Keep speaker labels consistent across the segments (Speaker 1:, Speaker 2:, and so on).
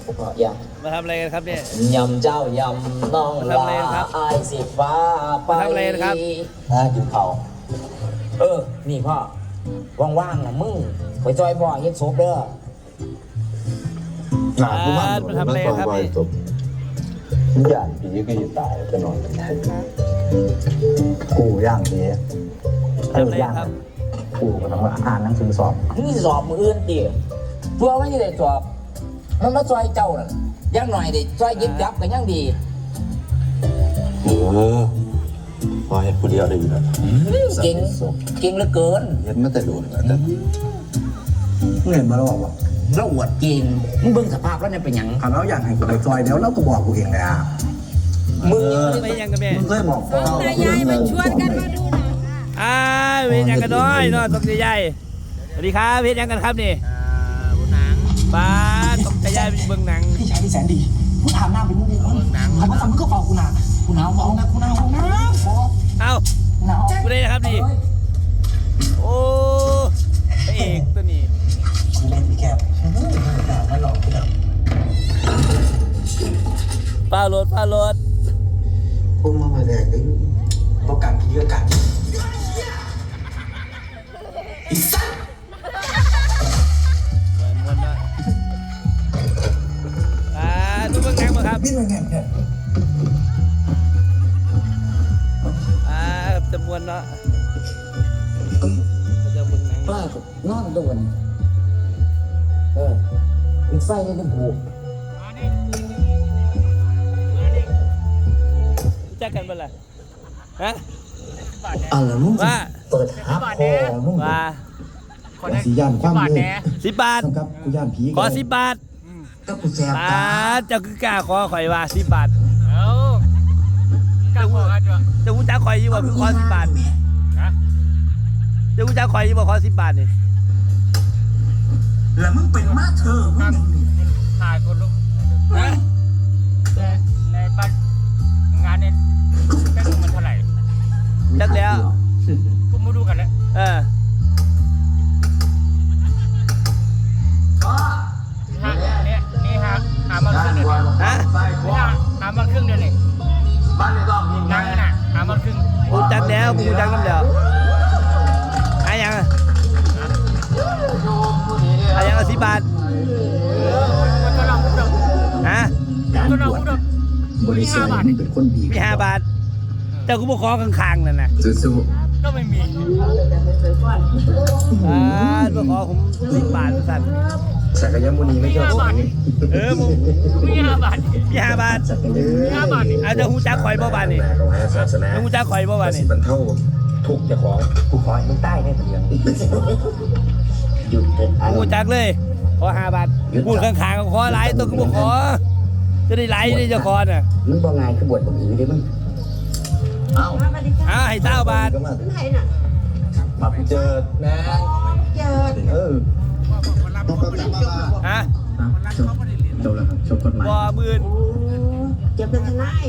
Speaker 1: ก็ยัง
Speaker 2: มาทำอะไรกันครับเนี่ย
Speaker 1: ยำเจ้ายำน้องลาไอสิฟ้าไปทำอะไรครับกินเขานี่พ่อว่างๆนะมึงไปจอยพ่อเฮ็ดซุปเด้อ
Speaker 2: กูมาทำอะไรครับนี่
Speaker 3: ย่างผีก็อยู่ตายจะนอนกูย่างผี
Speaker 2: ย่าง
Speaker 3: กูก็ต้องอ่านหนังสือสอบ
Speaker 1: นี่สอบมืออื่นดิเพื่อไม่ได้สอบมันมาจอยเจ้าน่ะยังหน่อยดิจอยยิบยับกันยังดี
Speaker 3: พอเห็นผู้เดียวได้อยู่แล้ว
Speaker 1: เก่งเหลือเกิน
Speaker 3: เห็นมาแต่โดนแต่เห็นมาแล้วบอก
Speaker 1: เราอวดเก่งมึงเบิ่งสภาพแล้วเนี่ยเป็นหยัง
Speaker 3: เราอยากให้กูไปจอยแล้วเราก็บอกกูเองเลยอ่ะ
Speaker 1: มึง
Speaker 2: ไม่ยังกันแม่
Speaker 3: มึงเคยบอกพ่อ
Speaker 4: ตายายมาชวนกันมาดูหน่อย
Speaker 2: เวรยังกันน้อยเนาะตกใจใหญ่สวัสดีครับเวรยังกันครับนี่หนังบ้าตกใจใหญ่เป็นเบื้องหนัง
Speaker 1: พี่ชายที่แสนดีกูถามหน้าเป็นมึงดีก่อนเขาบอกมึงก็เป่ากูหนากูหนาวมองนะกูหนาวนะ
Speaker 2: เอ้ากูได้นะครับนี่โอ้พระเอกตัวนี้
Speaker 1: เล่นพี่แคบไม่หลอกกูแล้ว
Speaker 2: ป้ารถ
Speaker 3: พวกมาแดกได้
Speaker 1: ต้องการพี่ก็การอีสัตว์
Speaker 2: ดูเบื้องหนังมาครับ
Speaker 1: นี่มันไงเนี่ย
Speaker 2: จำนวนเนาะจะเบื้องหนัง
Speaker 1: ป้านอนโดนอีกไฟนี่ก็บุก
Speaker 2: จักกันเป็นไรฮะ
Speaker 1: อะไรมึงเปิดหาพอมึง
Speaker 2: ว่า
Speaker 3: สีย่านความเลย
Speaker 2: 10 บาท
Speaker 3: ครับกูย่านผี
Speaker 2: ขอ10 บาท
Speaker 1: ก็กูแซ่บ
Speaker 2: เจ้าคือกล้าขอข่อยว่า10 บาทเจ้ากูจ้าข่อยยี่ว่าคือขอ10 บาทเจ้ากูจ้าข่อยยี่ว่าขอ10 บาทนี่
Speaker 1: แล้วมึงเป็นมาเธอมึง
Speaker 5: ถ่ายคนลุกในบ้านงานเนี่ยแค่มันเท่าไหร่
Speaker 2: จักแล้ว
Speaker 5: กูมาดูกันแล้วนี่หามาครึ่งเดือนหามาครึ่งเดือนเลยบ้านในรอบนี้นั่งน่ะหามาครึ่ง
Speaker 2: กูจักแล้วกูจักน้ำเดียวยัง10 บาท
Speaker 5: ก็ลองพูดดูก็ลองพูดดู
Speaker 3: บริษัทนี่เป็นคนดี
Speaker 2: มี5 บาทเจ้ากูบอกขอข้างๆนั่นนะ
Speaker 3: สู้
Speaker 5: ก็ไม่มี
Speaker 2: บอกขอผม10 บาทสั่น
Speaker 3: สักยมุนีไม่ชอบ
Speaker 2: มึง
Speaker 5: มี5 บาท
Speaker 2: มี5 บาท
Speaker 5: 5 บาท
Speaker 2: อาจจะหูจักข่อยบ่บาทนี่หูจักข่อยบ่บาทนี่
Speaker 3: มันเท่าทุกจะขอ
Speaker 1: กูขอให้มึงใต้ได้เพียงหยุด
Speaker 2: หูจักเลยขอ5 บาทพูดข้างๆขอหลายตัวกูบอกขอจะได้ไหลได้เจ้าคอน่ะ
Speaker 1: มึงบ่ง่ายคือบวชบ่อีดิมึง
Speaker 2: ให้20 บาท
Speaker 3: มาเจอ
Speaker 1: แม่
Speaker 3: จบแล้วครับจบกฎหมาย
Speaker 2: บ่มื่น
Speaker 4: จะเป็นทนาย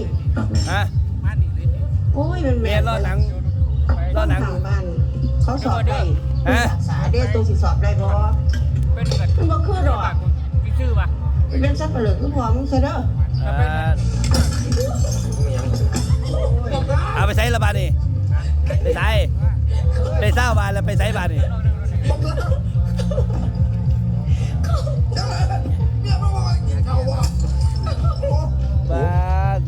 Speaker 4: โอ้ยมัน
Speaker 2: เมียรอหนัง
Speaker 4: บ้านเขาสอบได้ศึกษาได้ตัวสิสอบได้บ่มันบ่คือหรอก
Speaker 5: มีชื่อป่ะ
Speaker 4: เป็นสับปะเหลือคือพอมึงซะเด้อ
Speaker 2: เอาไปใช้ละบาทนี่ไปใช้ได้20 บาทแล้วไปใช้บาทนี่บาท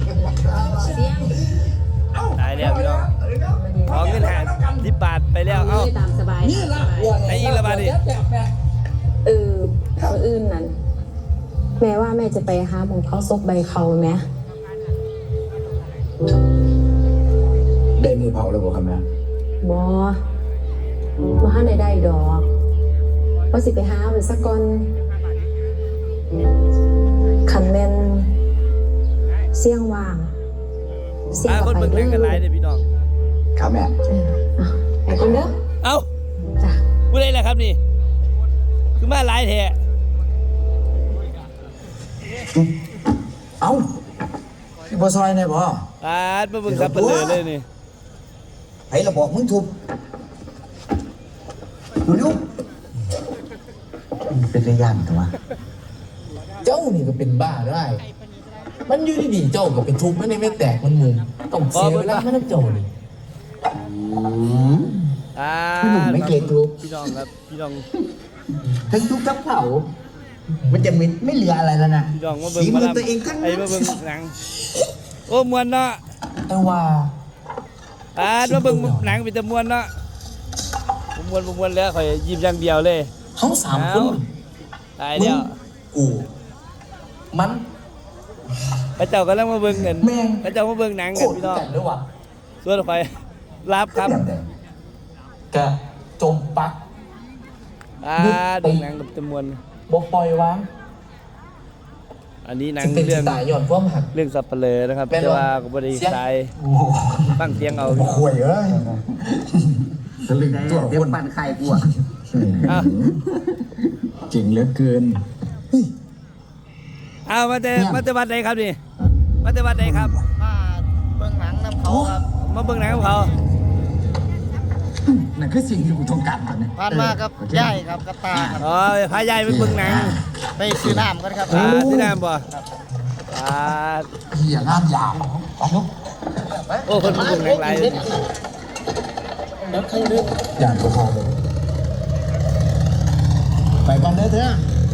Speaker 2: ตายแล้วพี่น้องขอเงิน10 บาทไปแล้วเอ้า
Speaker 4: ตามสบาย
Speaker 2: ไอ้ยิงละบาทนี่
Speaker 4: คนอื่นนั่นแม่ว่าแม่จะไปหาหมองเขาซกใบเขาไหม
Speaker 3: ได้มือเผาแล้วบอกครับแม่
Speaker 4: บ่หาได้ดอกว่าสิไปหาหรือสักก่อนขันแม่นเสี่ยงว่าง
Speaker 2: เสี่ยงกับไปเด้อพี่น้อง
Speaker 3: ครับแม่
Speaker 4: ไปกันเด้อ
Speaker 2: เอ้าพูดได้เลยครับนี่คือมาหลายแท้
Speaker 1: พี่บ่ซอยได้บ่
Speaker 2: มาเบิ่งซับเปลือเลยนี่
Speaker 1: ไผละบอกมึงทุบดูเป็นระยะตัว
Speaker 3: เจ้านี่ก็เป็นบ้าได้มันอยู่ดีๆเจ้าก็ไปทุบมันในไม่แตกมันมุมต้องเสียเวลามันเจ้านี่
Speaker 2: พี่
Speaker 3: หนุ่มไม่เกรงทุบ
Speaker 2: พี่น้องครับพี่น้อง
Speaker 3: ทั้งทุบทั้งเผามันจะไม่เหลืออะไรแล้วนะ
Speaker 2: พี่น้องมาเบิ่ง
Speaker 3: ฝี
Speaker 2: มา
Speaker 3: มือ
Speaker 2: ลำ
Speaker 3: ตัวเองทั้ง
Speaker 2: ไอ้มาเบิ่งหนังโอ้มวนเนาะ
Speaker 3: แต่ว่า
Speaker 2: มาเบิ่งหนังเป็นตะมวนเนาะมวนแล้วข่อยยิ้มอย่างเดียวเลย
Speaker 3: เขาสามคน
Speaker 2: ตายแล้ว
Speaker 3: กูมัน
Speaker 2: พระเจ้ากำลังมาเบิ่งเงิน
Speaker 3: แม่ง
Speaker 2: พระเจ้ามาเบิ่งหนัง
Speaker 3: โค
Speaker 2: กัน
Speaker 3: ตร
Speaker 2: พี่น้อง
Speaker 3: กันด้วยว่ะ
Speaker 2: ส่วนข่อยรับครับ
Speaker 3: กะจมปัก
Speaker 2: เบิ่งหนังกับตะมวน
Speaker 3: บ่ปล่อยวาง
Speaker 2: อันนี้หนัง
Speaker 3: จะเป็น
Speaker 2: เรื่อง
Speaker 3: ตายย้อนความหัก
Speaker 2: เรื่องสับเปลือนะครับ
Speaker 3: แม่น
Speaker 2: แต่
Speaker 3: บ่
Speaker 2: ว่าก็บ่ได้ตายฟังเสียงเอา
Speaker 3: ห่วยเอ้ยตะลึงตัวคน
Speaker 5: ปั่นไข่กูอ่ะ
Speaker 2: อ้าว
Speaker 3: เก่งเหลือเกิน
Speaker 2: เอามาแต่วัดใดครับนี่มาแต่วัดใดครับ
Speaker 5: มาเบิ่งหนังน้ำเขาครับ
Speaker 2: มาเบิ่งหนังกับเขา
Speaker 3: นั่นคือสิ่งที่กูต้องการตอนนี้
Speaker 5: ผ่านมากับย่ายครับกับตาครับ
Speaker 2: อ๋อพายายไปเบิ่งหนัง
Speaker 5: ไปซื้อน้ำกันครับ
Speaker 2: ที่น้ำบ่
Speaker 3: เหี้ยงามยาว
Speaker 2: โอ้คนมาเบิ่งหนังหลาย
Speaker 3: อย่างพอเลยไปก่อนเด้อเถอะ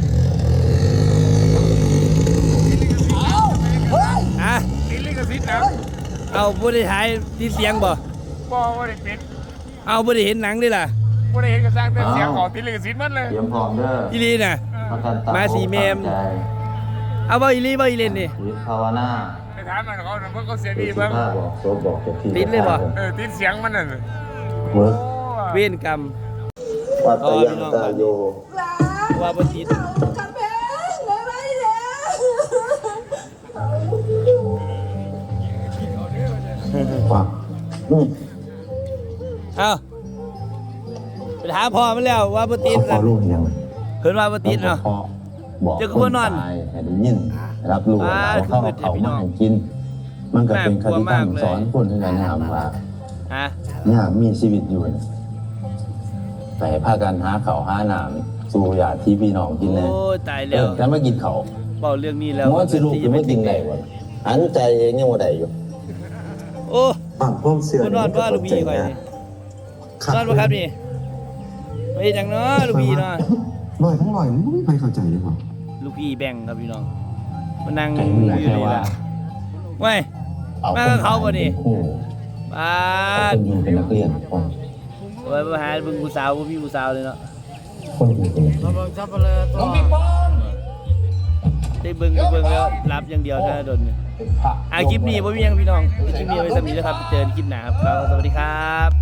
Speaker 2: อ่ะ
Speaker 6: ติดลิขสิทธิ์นะ
Speaker 2: เอาบ่ได้ถ่ายที่เสียงบ่
Speaker 6: บ่ได้ปิด
Speaker 2: เอาบ่ได้เห็นหนังด้วยล่ะ
Speaker 6: บ่ได้เห็นกระสร้างแต่เสียงของติดลิขสิทธิ์มันเลย
Speaker 7: เตรียมพร้อมเด้อ
Speaker 2: อีหลีน่ะ
Speaker 7: ประกันตา
Speaker 2: มาสีเมม
Speaker 7: ใจ
Speaker 2: เอาบ่อีหลีบ่อีเล่นนี่
Speaker 7: ชีวิตภาวนา
Speaker 6: ไปถามมันเขาเพิ่นก็เสียดี
Speaker 7: สุ
Speaker 6: เบิ่ง
Speaker 7: ภาพบอกโซบอกจะที่
Speaker 2: ติดเลยบ่
Speaker 6: ติดเสียงมันน่ะ
Speaker 7: เวิร์ก
Speaker 2: เวรกรรม
Speaker 7: วัตยังตาโย
Speaker 2: ว่าบ่ติด
Speaker 7: ฟัง
Speaker 2: เอาไปถามพ่อมันแล้วว่าบ่ติด
Speaker 7: ขอลูกยัง
Speaker 2: เพิ่นว่าบ่ติดเนาะ
Speaker 7: พ่อบอก
Speaker 2: เจ้าก็บ่นอน
Speaker 7: ตายให้ได้ยินรับรู้แล้วเข้าเขามาให้กิน มันก็เป็นคติตั้งสอนคนที่กันนะครับว่า
Speaker 2: ฮะ
Speaker 7: เนี่ยมีชีวิตอยู่เนี่ยไปพากันหาเขาวหาหนามสู่ยาที่พี่น้องกินเลย
Speaker 2: โอ้ยตายแล้ว
Speaker 7: แล้วมากินเขาว
Speaker 2: เว้าเรื่องนี้แล้ว
Speaker 7: ว่าสิลูกจะไม่กินได้วะอันใจเองยังว่าได้อยู่
Speaker 2: โอ้
Speaker 3: ปากพ่อเสือ
Speaker 2: คนนอนว่าลูกพี่ก่อยนี่นอนบ่ครับนี่ไปเฮ็ดหยังเนาะลูกพี่เนาะ
Speaker 3: ลอยทั้งลอยมันไม่มีใครเข้าใจเลยว่ะ
Speaker 2: ลูกพี่แบ่งครับพี่น้องมานั่ง
Speaker 7: ไก่
Speaker 2: อ
Speaker 7: มื
Speaker 2: ยู่
Speaker 7: อแค่
Speaker 2: นี่
Speaker 7: ว่า
Speaker 2: ล่ะเว้ย มากับเขาบ่นี่
Speaker 7: โอ้
Speaker 2: ป้า
Speaker 7: ค
Speaker 2: ด
Speaker 7: นอยู่เป็นนักเรียนคน
Speaker 2: ไว้มาหาเบิ่งผู้สาวบ่มีผู้สาวเลยเนาะ
Speaker 7: คนอยู่เป็นนักเรียน
Speaker 5: เราเบิ่งซับเปลือตัว
Speaker 2: ได้เบิ่งแล้วรับอย่างเดียวเท่านั้นโดนเนี่ยคลิปนี้บ่มีหยังพี่น้องคลิปนี้ไว้สำนี้นะครับเจอกันคลิปหน้าครับสวัสดีครับ